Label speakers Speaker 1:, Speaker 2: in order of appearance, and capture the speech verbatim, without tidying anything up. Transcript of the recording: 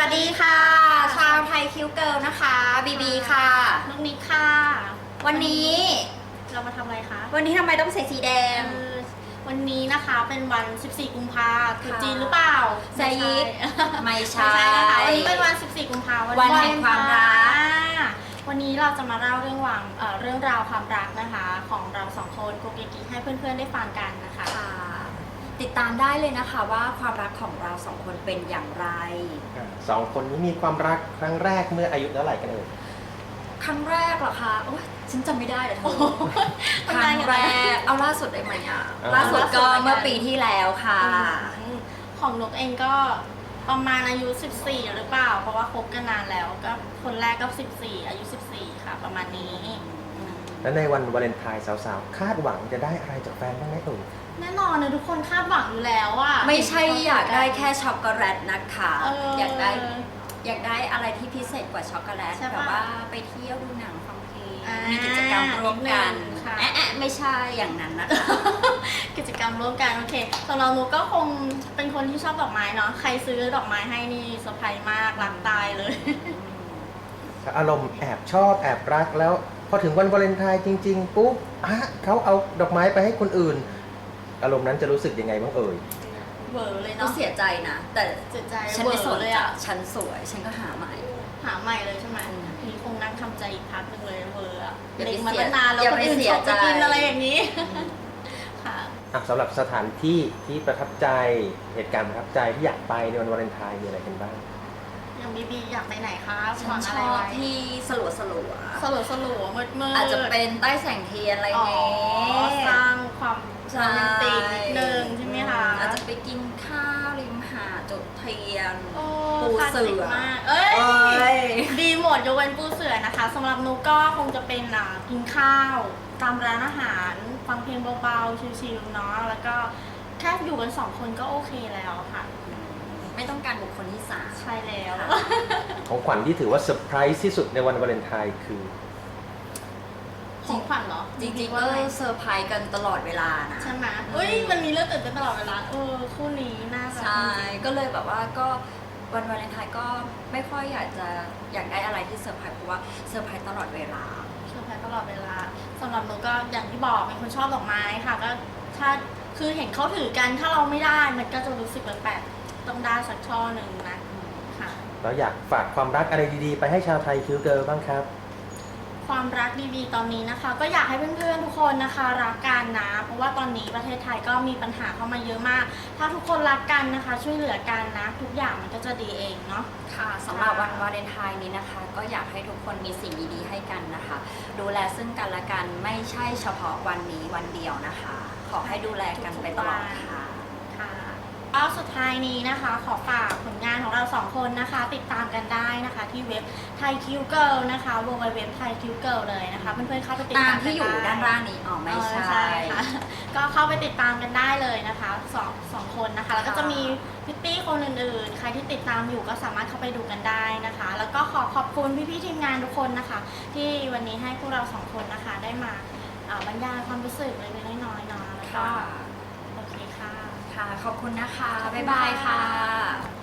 Speaker 1: วัสดีค่ะชาวไทยคิวเกิลนะคะบีบีค่ะ
Speaker 2: น้องนิกค่ะ
Speaker 1: วันนี้
Speaker 2: เรามาทำอะไรคะ
Speaker 1: วันนี้ทำไมต้องใส่สีแดง
Speaker 2: วันนี้นะคะเป็นวัน สิบสี่ กุมภาพันธ์คือจีนหรือเปล่า
Speaker 1: ใช่ยิกไม่ใช่
Speaker 2: นะคะวันนี้เป็นวัน สิบสี่ กุมภาพันธ์
Speaker 1: วันแห่งความรัก
Speaker 2: วันนี้เราจะมาเล่าเรื่องวางเรื่องราวความรักนะคะของเราสองคนโกเกกิให้เพื่อนๆได้ฟังกันนะคะ
Speaker 1: ติดตามได้เลยนะคะว่าความรักของเราสองคนเป็นอย่างไร
Speaker 3: สองคนนี้มีความรักครั้งแรกเมื่ออายุเท่าไหร่กันเอ่ย
Speaker 1: ครั้งแรกเหรอคะโอ๊ยฉันจำไม่ได้เลยเธอครั้งแรกเอาล่าสุดได้ไหมอ่ะล่าสุดก็เมื่อปีที่แล้วค่ะ
Speaker 2: ของนกเองก็ประมาณอายุ สิบสี่ หรือเปล่าเพราะว่าคบกันนานแล้วก็คนแรกก็ สิบสี่ อายุ สิบสี่ ค่ะประมาณนี้
Speaker 3: แล้วในวันวาเลนไทน์สาวๆคาดหวังจะได้อะไรจากแฟนบ้างไหมเอ่ย
Speaker 2: แน่นอนนะทุกคนคาดหวังอยู่แล้วอะ
Speaker 1: ไม่ใช่อยากได้แค่ช็อกโกแลตนะคะอยากได้อยากได้อะไรที่พิเศษกว่าช็อกโกแลตแบบว่าไปเที่ยวดูหนังฟังเพลงมีกิจกรรมร่วมกันแอะแอะไม่ใช่อย่างนั้นนะคะ
Speaker 2: กิจกรรมร่วมกันโอเคสำหรับหนูก็คงเป็นคนที่ชอบดอกไม้เนาะใครซื้อดอกไม้ให้นี่เซอร์ไพรส์มากรักตายเลย
Speaker 3: อารมณ์แอบชอบแอบรักแล้วพอถึงวันวาเลนไทน์จริงๆปุ๊บอ่ะเขาเอาดอกไม้ไปให้คนอื่นอารมณ์นั้นจะรู้สึกยังไงบ้างเอ่ย
Speaker 2: เวอร์เลย
Speaker 1: เนาะเสียใจนะแต่
Speaker 2: เสียใจ
Speaker 1: ฉันไม่สนเลยอ่ะฉันสวยฉันก็หาใหม่
Speaker 2: หาใหม่เลยใช่ไหมนี่คงนั่งทำใจอีกพักนึงเลยเวอร์อ่ะ
Speaker 1: เด็ก
Speaker 2: มาตั้งนานแล้วคนอื่นชอบจะกินอะไรอย่างนี้ค่ะ
Speaker 3: สำหรับสถานที่ที่ประทับใจเหตุการณ์ประทับใจที่อยากไปในวันวาเลนไทน์มีอะไรกันบ้าง
Speaker 2: อย่างบีบีอยากไปไหนคะ
Speaker 1: ฉันชอบที่สลัวสลัว
Speaker 2: สลัวสลัวมืดมืด
Speaker 1: อาจจะเป็นใต้แสงเทียนอะไรเงี้
Speaker 2: ยสร้างความโรแมนติกนิดนึงใช่ไหมคะ
Speaker 1: อาจจะไปกินข้าวริมหาดจุดเทียน
Speaker 2: ปูเสือเอ้ยดีหมดยกเว้นปูเสือนะคะสำหรับนุกก็คงจะเป็นกินข้าวตามร้านอาหารฟังเพลงเบาๆชิลๆเนาะแล้วก็แค่อยู่กันสองคนก็โอเคแล้วค่ะ
Speaker 1: ไม่ต้องการบุคคลที่สาม
Speaker 2: ใช่แล้ว
Speaker 3: ของขวัญที่ถือว่าเซอร์ไพรส์ที่สุดในวันวาเลนไทน์คือ
Speaker 2: ของขวัญเหรอ
Speaker 1: จริงๆก็เซอร์ไพรส์กันตลอดเวลานะ
Speaker 2: ใช่ไหมเฮ้ยมันมีเรื่องตื่นเต้นตลอดเวลาเออคู่นี้น่า
Speaker 1: จะใช่ก็เลยแบบว่าก็วันวาเลนไทน์ก็ไม่ค่อยอยากจะอยากได้อะไรที่เซอร์ไพรส์เพราะว่าเซอร์ไพรส์ตลอดเวลา
Speaker 2: เซอร์ไพรส์ตลอดเวลาสำหรับหนูก็อย่างที่บอกเป็นคนชอบดอกไม้ค่ะก็ถ้าคือเห็นเขาถือกันถ้าเราไม่ได้มันก็จะรู้สึกแปลกๆต้องได้สักช่อหนึ่งนะค่ะ
Speaker 3: เราอยากฝากความรักอะไรดีๆไปให้ชาวไทยคิวเกิร์ลบ้างครับ
Speaker 2: ความรักดีๆตอนนี้นะคะก็อยากให้เพื่อนๆทุกคนนะคะรักกันนะเพราะว่าตอนนี้ประเทศไทยก็มีปัญหาเข้ามาเยอะมากถ้าทุกคนรักกันนะคะช่วยเหลือกันนะทุกอย่างมันก็จะดีเองเนาะ
Speaker 1: ค่ะสำหรับวันวาเลนไทน์นี้นะคะก็อยากให้ทุกคนมีสิ่งดีๆให้กันนะคะดูแลซึ่งกันและกันไม่ใช่เฉพาะวันนี้วันเดียวนะคะขอให้ดูแลกันไปตลอดค่ะ
Speaker 2: ก็สุดท้ายนี้นะคะขอฝากผลงานของเราสองคนนะคะติดตามกันได้นะคะที่เว็บไทยคิวเกิลนะคะ ดับเบิลยู ดับเบิลยู ดับเบิลยู ดอท ไทยคิวเกิลเลยนะคะเพื่อนๆเข้าไปติดตาม
Speaker 1: ที่อยู่ด้านล่างนี้อ๋อไม่ใช่
Speaker 2: ค่ะก็เข้าไปติดตามกันได้เลยนะคะสองสองคนนะคะแล้วก็จะมีพิตตี้คนอื่นๆใครที่ติดตามอยู่ก็สามารถเข้าไปดูกันได้นะคะแล้วก็ขอขอบคุณพี่ๆทีมงานทุกคนนะคะที่วันนี้ให้พวกเราสองคนนะคะได้มาบรรยายความรู้สึกเล็กๆน้อยๆเนาะแล้วก็โอเคค่ะ
Speaker 1: ค่ะขอบคุณนะคะบ๊ายบายค่ะ